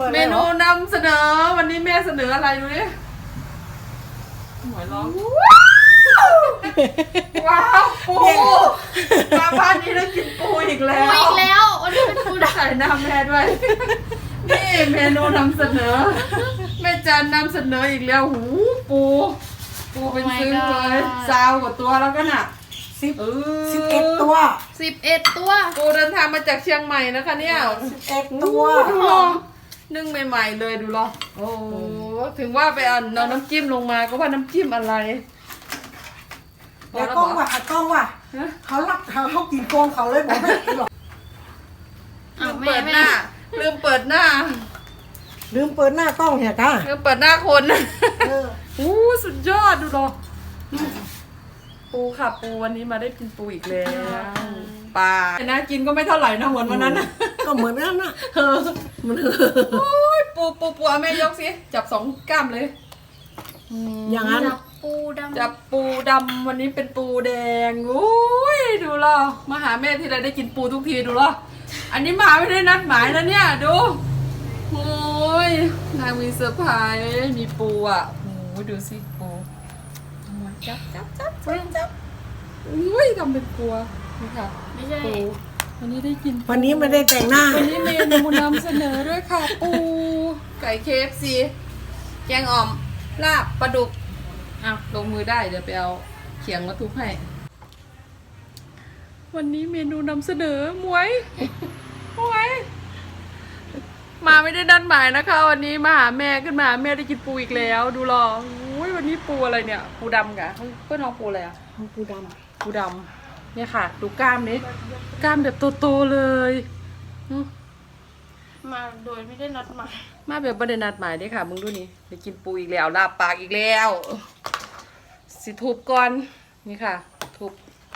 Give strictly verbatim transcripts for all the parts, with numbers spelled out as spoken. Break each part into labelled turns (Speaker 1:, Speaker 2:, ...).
Speaker 1: ปิด
Speaker 2: เมนูนำเสนอวันนี้แม่เสนออะไรดูดิหวยร้องว้าวปูมาบ้านนี้ได้กินปูอีกแล้
Speaker 3: ปู
Speaker 2: ว
Speaker 3: อีกแล้ววันนี้เป็นปูด
Speaker 2: ใส่น้ำแม่ด้วยนี่เมนูนำเสนอแม่จันนำเสนออีกแล้วหูปูปูเป็นซื้อเลยซาวกว่าตัวแล้วก็น่ะ
Speaker 1: สิบ
Speaker 2: เออ
Speaker 1: สิบเอ็ดตัว
Speaker 3: ำสิบเอ็ดตัว
Speaker 2: ปูเดินทางมาจากเชียงใหม่นะคะเนี่ย
Speaker 1: สิบเอ็ดตัว
Speaker 2: ดูลองนึ่งใหม่ๆเลยดูลองโอ้ถึงว่าไปเอาน้ำจิ้มลงมาก็ว่าน้ำจิ้มอะไร
Speaker 1: แล้วกล้องว่ะกล้องว่ะเขาลักเขาเขากินโกงเขาเลยบอกไม่กินหรอก
Speaker 2: ลื
Speaker 3: อ้าว
Speaker 2: ม
Speaker 3: แม่
Speaker 2: เปิดห
Speaker 3: แม่
Speaker 2: น้าลืมเปิดหน้า
Speaker 1: ลืมเปิดหน้ากล้องเหี้ยก้า
Speaker 2: ลืมเปิดหน้าคน
Speaker 1: เออ
Speaker 2: อู้สุดยอดดูลองปูค่ะปูวันนี้มาได้กินปูอีกแล้วปลานะกินก็ไม่เท่าไหร่นะเหมือนวันนั้นนะ
Speaker 1: ก็เหมือนนั้นน่ะ
Speaker 2: เออมันโอ้ยปูปูปูเอาแม่ยกสิจับสองกล้ามเลย
Speaker 1: อย่างนั้น
Speaker 3: จับปูดำ
Speaker 2: จับปูดำวันนี้เป็นปูแดงอุ้ยดูล่ะมาหาแม่ทีไรได้กินปูทุกทีดูล่ะอันนี้มาไม่ได้นัดหมายนะเนี่ยดูโอ้ยนางมีเซอร์ไพรส์มีปูอ่ะโอ้ยดูสิปูจับจับจับจับจับอุ้ยทำเป็นกลัวนี่ค่ะ
Speaker 3: ไม่ใช่
Speaker 2: ปูวันนี้ได้กิน
Speaker 1: วันนี้ไม่ได้แต่งหน้า
Speaker 2: วันนี้เมนูนำเสนอด้วยค่ะปูไก่เคฟซีแกงอ่อมลาบปลาดุกอ้าวลงมือได้เดี๋ยวไปเอาเขียงมาทุบให้วันนี้เมนูนำเสนอหมวยหมวยมาไม่ได้ดันหมายนะคะ วันนี้มาหาแม่ขึ้นมาแม่ได้กินปูอีกแล้ว ดูรออุ้ยวันนี้ปูอะไรเนี่ย ปูดำกะเพื่อนน้องปูอะไรอะ
Speaker 1: ปูด
Speaker 2: ปูดำเนี่ยค่ะ ดูกล้ามนี้กล้ามแบบโตๆเลยอื้อ
Speaker 3: มาโดยไม่ได้นัดหมาย
Speaker 2: มาแบบประเด็นนัดหมายได้ค่ะมึงดูนี่ได้กินปูอีกแล้วลาบปากอีกแล้ว สิทุบก่อนนี่ค่ะ ทุบ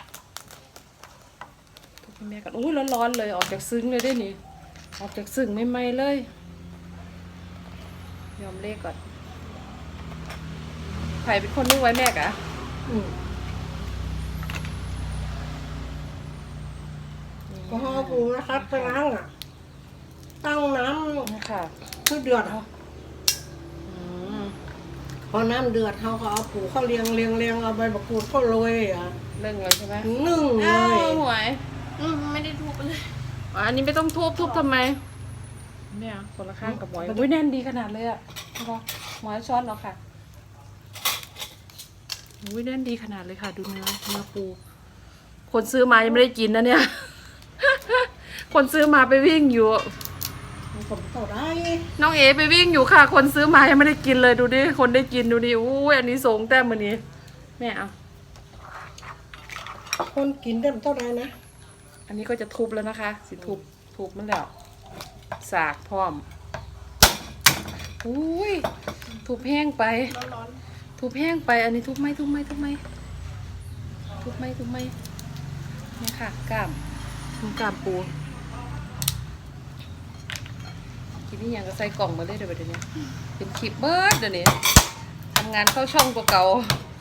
Speaker 2: ทุบให้แม่กันอุ้ยร้อนๆเลยออกจากซึ้งเลยได้นี่ออกจากซึ้งไม่ไหมเลย ยอมเลขก่อนใครเป็นคนนึกไว้แม่กะ
Speaker 1: ำอืมก็ห่อปูนะครับไปล้างอ่ะตั้งน้
Speaker 2: นี่ค่ะ
Speaker 1: ำคือเดือด
Speaker 2: อืม
Speaker 1: พอน้ำเดือดเขาก็เอาปูเขาเลียงเลียงเลียงเอาใบมะกรูดเขาโรยอ่ะ
Speaker 2: เรื่องเลยใช่ไหม
Speaker 1: นึ่งเล
Speaker 2: อ้าวย หวย
Speaker 3: อืมไม่ได้ทุบเลย
Speaker 2: อ๋ออันนี้ไม่ต้องทุบทุบทำไมเนี่ยคนละข้างกับหมอยอุ้ยแน่นดีขนาดเลยอ่ะพอหมอยช้อนเหรอค่ะอุ้ยแน่นดีขนาดเลยค่ะ ดูเนื้อเนื้อปู คนซื้อมายังไม่ได้กินนะเนี่ย คนซื้อมาไปวิ่งอยู่
Speaker 1: มันผมต่อได้
Speaker 2: น้องเอไปวิ่งอยู่ค่ะ คนซื้อมายังไม่ได้กินเลยดูดิ คนได้กินดูดิอุ้ยอันนี้สงแต้มมันนี้แม่เอา
Speaker 1: คนกินได้มันเท่าไรนะ
Speaker 2: อันนี้ก็จะทุบแล้วนะคะ สิทุบทุบมันแล้วสากพร้อมอุ้ยทุบแห้งไป
Speaker 3: ร้อน
Speaker 2: ทุบแห้งไป อันนี้ทุบไหมทุบไหมทุบไหมทุบไหมทุบไหมเนี่ยค่ะกล้ามกล้ามปูกินนี่ยังก็ใส่กล่องมาเลยเดี๋ยวเดี๋ยวนี้เป็นคลิปเบิร์ดเดี๋ยวนี้ทำงานเข้าช่องตัวเก่า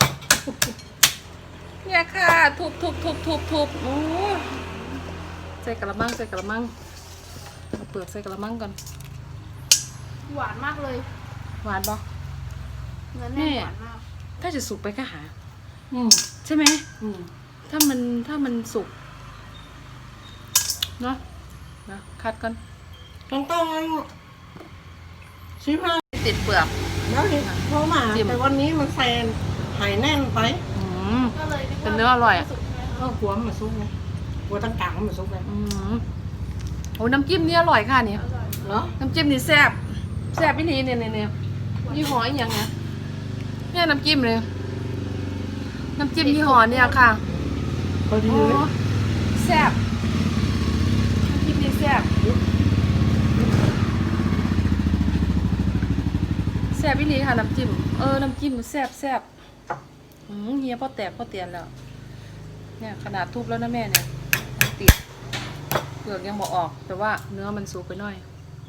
Speaker 2: เนี่ยค่ะทุบทุบทุบทุบทุบโอ้ใส่กระมังใส่กระมังเอาเปลือกใส่กระมังก่อน
Speaker 3: ๆหวานมากเลย
Speaker 2: หวานปะ
Speaker 3: เนื้อแน่นหวานมาก
Speaker 2: ถ้าจะสุกไปก็หา
Speaker 1: อืม
Speaker 2: ใช่ไหม
Speaker 1: อืม
Speaker 2: ถ้ามันถ้ามันสุกเนาะนะคัดกัน
Speaker 1: ต้องต้องชิมมา
Speaker 2: ติดเปลือก
Speaker 1: แล้วนี่เพราะมาแต่วันนี้มันแฟนหายแน่นไป
Speaker 2: อืม
Speaker 3: ก็เลยกว่า
Speaker 2: เป็นเนื้ออร่อยอะ
Speaker 3: สุกใช่ไหม
Speaker 1: เออหัวมันซุกไงหัวตั้งกลางมันซุกไง
Speaker 2: อืมโอ้น้ำจิ้มนี่อร่อยค่ะเนี่ย
Speaker 3: อร่อย
Speaker 1: เนาะ
Speaker 2: น้ำจิ้มนี่แซ่บแซ่บพี่ลีเนี่ยเนี่ยเนี่ยยี่ห้ออีกอย่างเนี่ยเนี่ยน้ำจิ้มเลยน้ำจิ้มยี่ห้อเนี่ยค่ะ
Speaker 1: พอดี
Speaker 2: โอ้
Speaker 1: เลย
Speaker 2: แซ่บน้ำจิ้มนี่แซ่บแซ่บพี่ลีค่ะน้ำจิ้มเออน้ำจิ้มแซ่บแซ่บอืมเฮียพ่อแตกพ่อเตียนแล้วเนี่ยขนาดทุบแล้วนะแม่เนี่ยยังติดเปลือกยังบอออก แต่ว่าเนื้อมันสุกไปหน่อย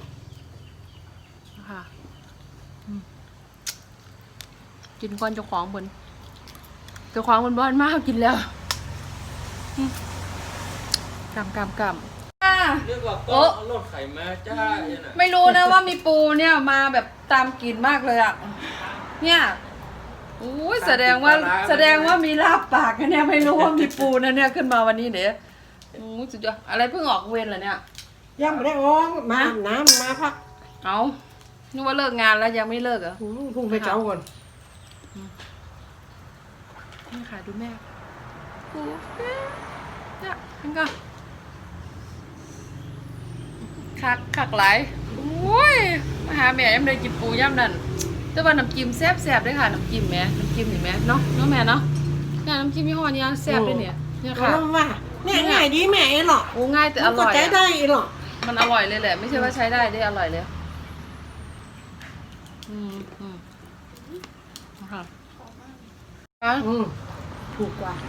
Speaker 2: นะคะอืมกินก่อนเจ้าของบนเจ้าของบนบ้านมากกินแล้วอืมกำกำกำอ่า
Speaker 4: เรียกว่า
Speaker 2: โอ๊ะ
Speaker 4: ก็รถไขมาจ้าเนี่ยนะ
Speaker 2: ไม่รู้นะว่ามีปูเนี่ยมาแบบตามกลิ่นมากเลยอ่ะ เนี่ยโอ้ยแสดงว่าแสดงว่ามีลาบปากนะเนี่ยไม่รู้ว่ามีปูนะเนี่ยขึ้นมาวันนี้เดี๋ยวโอ้ยสุดยอดอะไรเพิ่งออกเวรเหรอเนี่ย
Speaker 1: ยังไม่ได้ออกมาอาบน้ำมาพัก
Speaker 2: เอานึกว่าเลิกงานแล้วยังไม่เลิกเหรอ
Speaker 1: อืมพุ่งไปเจ้าก่อน
Speaker 2: นี่ค่ะดูแม่ปูเนี่ยมันก็คักคักหลายโอ้ยมาหาแม่ยังได้กินปูย่ำนั่นแต่ว่าน้ำจิ้มแซ่บแซ่บด้วยค่ะน้ำจิ้มแม่น้ำจิ้มเห็นไหมเนาะเนาะแม่เนาะเนี่ยน้ำจิ้มยี่ห้อนี้แซ่บด้วยเนี่ยเนี่ย
Speaker 1: เขา
Speaker 2: ค่ะ
Speaker 1: ว่าเนี่ยง่ายดีแม่เองหรอก
Speaker 2: โอ้ง่ายแต่อร่อย
Speaker 1: มันก็ใจ
Speaker 2: อะ
Speaker 1: ได้หรอก
Speaker 2: มันอร่อยเลยแหละ ไม่ใช่ว่าใช้ได้ได้อร่อยเลยอืมอืมค่ะอ่ะ
Speaker 1: อืมถูกกว่า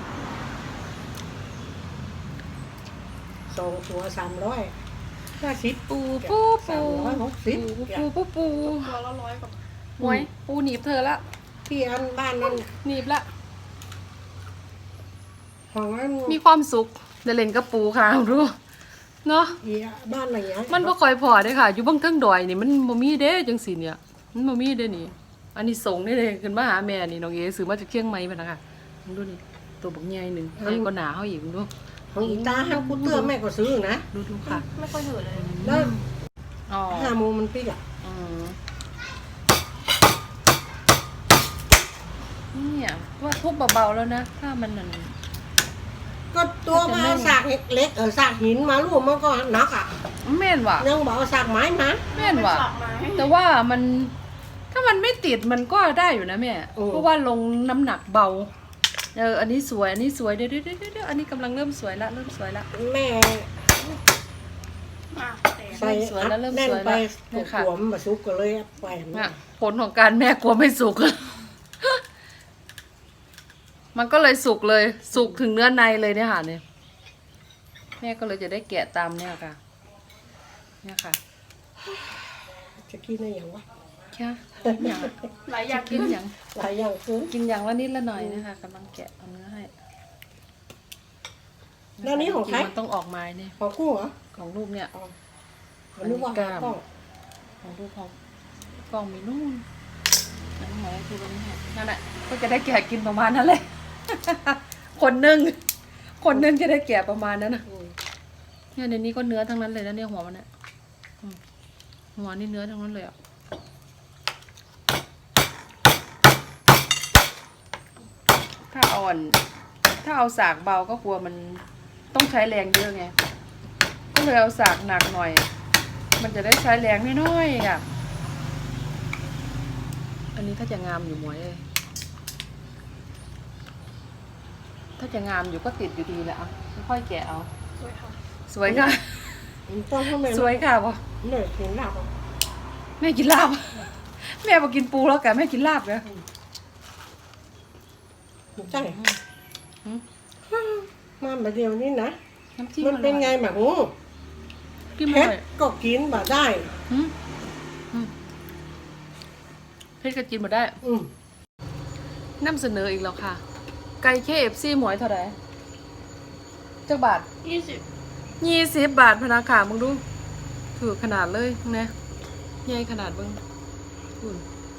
Speaker 1: สองตัวสามร้อยห้าสิบ
Speaker 2: ปูปูปู
Speaker 1: สามร้อยหกสิบ
Speaker 2: ปูปูปูปู
Speaker 3: ตัวละร้อยกว่า
Speaker 2: หวยปูหนีบเธอละ
Speaker 1: ที่อันบ้านนั้น
Speaker 2: หนีบละ
Speaker 1: ของนั้น
Speaker 2: มีความสุขได้เล่นกับปูค่ะรู้เนาะ
Speaker 1: อีบ้านไหนอ่ะ
Speaker 2: มันบ่ค่อยพอเด้อค่ะ อยู่เบางเทิงดอยนี่มันบ่มีเด้จังซี่เนี่ย มันบ่มีเด้นี่ อันนี้ส่งได้เลยขึ้นมาหาแม่นี่น้องเอซื้อมาจากเชียงใหม่พุ่นน่ะค่ะมึงดูนี่ตัวบักใหญ่หนึงใหญ่กว่าหนาเฮาอีกมึงดู
Speaker 1: ของอีตาห้ากูเตื้อแม่ก็ซื้อนะ
Speaker 2: ดูดูค่ะ
Speaker 3: ไม่ค่อยหืดเลย
Speaker 1: แล้ว
Speaker 2: อ๋อ
Speaker 1: ห้าโมงมันปิดอ่ะ
Speaker 2: อืมเนี่ยว่าทุบเบาๆแล้วนะ ถ้ามันนั่น
Speaker 1: ก็ตัวมาเอาสากเล็กเออสากหินมาลูกมันก็หนักอ่ะ
Speaker 2: แม่นว่ะ
Speaker 1: ยังบอกเอาสากไม้มา
Speaker 2: แม่นว่ะ
Speaker 3: สากไม้
Speaker 2: แต่ว่ามันถ้ามันไม่ติดมันก็ได้อยู่นะแม่ เพราะว่าลงน้ำหนักเบา เออ อันนี้สวย อันนี้สวย เดี๋ยวเดี๋ยวเดี๋ยวเดี๋ยวอันนี้กำลังเริ่มสวยละ เริ่มสวยละ
Speaker 1: แม่
Speaker 3: อ่ะแต่
Speaker 1: ใส่
Speaker 2: สวยแล้วเริ่ม
Speaker 1: แน่น
Speaker 2: สวย
Speaker 1: ไป
Speaker 2: แล้วเนี่ยค่ะ
Speaker 1: หัวมันมาซุกก็เลยไปมัน
Speaker 2: น่ะผลของการแม่กลัวไม่สุก มันก็เลยสุกเลย สุกถึงเนื้อในเลยเนี่ยค่ะเนี่ยแม่ก็เลยจะได้แกะตามเนี่ยค่ะ เนี่ยค่ะ
Speaker 1: จะกินได้อย่างวะ
Speaker 2: แค่กินอย่าง
Speaker 3: หลายอย่าง
Speaker 2: กินอย่าง
Speaker 1: หลายอย่างคือ
Speaker 2: กินอย่างละนิดละหน่อยนะคะกำลังแกะเอาเนื้อให้
Speaker 1: แล้วนี้ของใคร
Speaker 2: มันต้องออกมาเนี่ย
Speaker 1: ของกูเหรอ
Speaker 2: ของลูกเนี่ย
Speaker 1: อ๋อมันนึกว่า
Speaker 2: อันนี้กล้าม
Speaker 1: กล้อง
Speaker 2: ของลูกของกล่องมีนู่นนั่นหมายคือวันนี้ให้นั่นแหละก็จะได้แกะกินประมาณนั้นเลย คนหนึ่งคนหนึ่งจะได้แกะประมาณนั้นนะ
Speaker 1: อืม
Speaker 2: เนี่ยในนี้ก็เนื้อทั้งนั้นเลยนะเนี่ยหัวมันเนี่ยอืมหัวนี่เนื้อทั้งนั้นเลยอ่ะถ้าอ่อน ถ้าเอาสากเบาก็กลัวมันต้องใช้แรงเยอะไง ก็เลยเอาสากหนักหน่อย มันจะได้ใช้แรงน้อยๆอ่ะ อันนี้ถ้าจะงามอยู่หมวยเลยถ้าจะงามอยู่ก็ติดอยู่ดีแหละอ่ะค่อยๆแกะเอา
Speaker 3: สวยค่ะ
Speaker 2: สวยค่ะ
Speaker 1: มันต้องให้แม่
Speaker 2: สวยค่ะปะ
Speaker 1: เนี่ยเห็นหลับอ่ะ
Speaker 2: แม่กินลาบ แม่บอกกินปูแล้วแกแม่กินลาบเลย
Speaker 1: ใช่มาแบบเดียวนี่นะ
Speaker 2: น้ำจิ้ม
Speaker 1: มันเป็นไงแบบงู
Speaker 2: กิน
Speaker 1: เพ
Speaker 2: ไม่
Speaker 1: ช
Speaker 2: ได้
Speaker 1: รก็กินบ่ได้
Speaker 2: อืมอืมเพชรก็กินหมดได้
Speaker 1: อืม
Speaker 2: นำเสนออีกแล้วค่ะ ไก่เคเอฟซีหมวยเท่าไหร่เจ้าบาท
Speaker 3: ยี่สิบ
Speaker 2: ยี่สิบบาทพนักขามึงดูถือขนาดเลยนะใหญ่ขนาดมึงอุ่น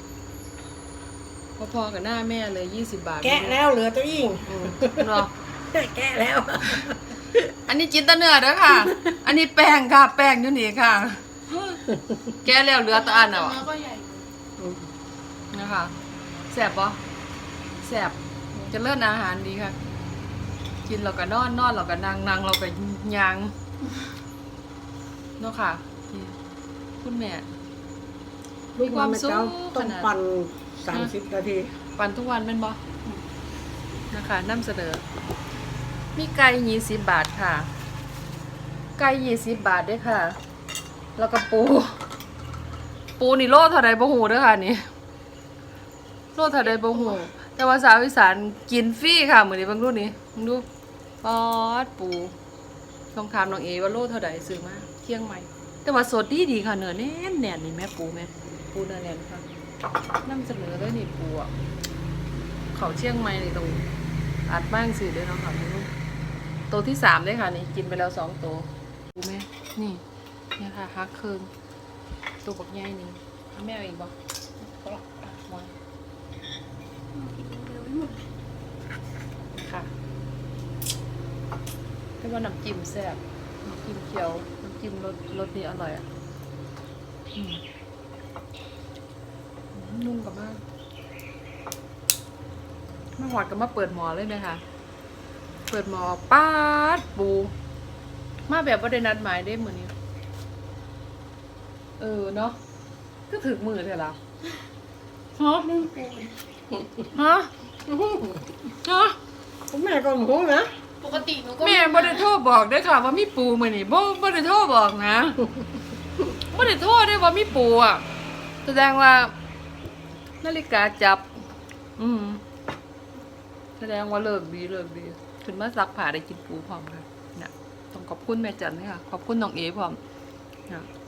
Speaker 2: พอๆกับหน้าแม่เลยยี่สิบบาท
Speaker 1: แกะแล้วเหลือตัวอิง
Speaker 2: อืมเนาะ
Speaker 1: แกะแล้ว
Speaker 2: อันนี้จินตเนื้อเด้อค่ะ อันนี้แป้งค่ะ แป้งอยู่นี่ค่ะ แกะแล้วเหลือแตะอัน
Speaker 3: แต่
Speaker 2: อ่ะ
Speaker 3: เนื้อก็ใหญ่
Speaker 2: นะคะแสบปะแสบจะเลิศอาหารดีค่ะ กินเราก็นอนนอนเราก็นั่งนั่งเราก็ยางเนาะค่ะนี่คุณแม่
Speaker 1: ลูกความสุขต้อง
Speaker 2: ขนาด
Speaker 1: ปั่นสามสิบนาที
Speaker 2: ปั่นทุกวันเป็นบ่นะคะนำเสนอ มีไก่ยี่สิบบาทค่ะ ไก่ยี่สิบบาทด้วยค่ะ แล้วก็ปู ปูนี่โลเท่าใดบ่หูเด้อค่ะนี่โลเท่าใดบ่หูแต่ว่าสาวอีสานกินฟรีค่ะมื้อนี้เบิ่งดูนี่มึงดูปอดปูลองถามน้องเอว่าโลเท่าใดซื้อมาเที่ยงใหม่ แต่ว่าสดดีดีๆค่ะเนื้อแน่นแน่นนี่แม่ปูแม่ปูเนื้อแน่นค่ะนำเสนอเลยนี่ปูอ่ะเขาเชียงใหม่นี่ตรงอัดบ้างสิเด้อเนาะค่ะมึงดูตัวที่สามเลยค่ะนี่กินไปแล้วสองตัวปูแม่นี่เนี่ยค่ะฮักเคิงตัวบักใหญ่นี่เอาแม่เอาอีกบ่ก็อ่ะมอยค่ะให้ว่าน้ำจิ้มแซ่บน้ำจิ้มเขียวน้ำจิ้มรสรสนี้อร่อยอ่ะอืมนุ่มกับมากมาหอดกับมาเปิดหมอเลยไหมคะเปิดหมอป้าดปูมาแบบว่าได้นัดหมายได้เหมือนนี้เออเนาะก็ถึงมือเถอะล่ะฮะฮะฮะ
Speaker 1: แม่ก็หมูนะ
Speaker 3: ปกติหนูก็
Speaker 2: แม่บ่ได้โทรบอกได้อค่ะว่ามีปูมื้อนี้บ่บ่ได้โทรบอกนะบ่ได้โทรได้ว่ามีปูอ่ะแสดงว่านาฬิกาจับ อืมแสดงว่าเลิกดีเลิกดีขึ้นมาซักผ้าได้กินปูพร้อมค่ะน่ะต้องขอบคุณแม่จันนี่ค่ะขอบคุณน้องเอพร้อมนะ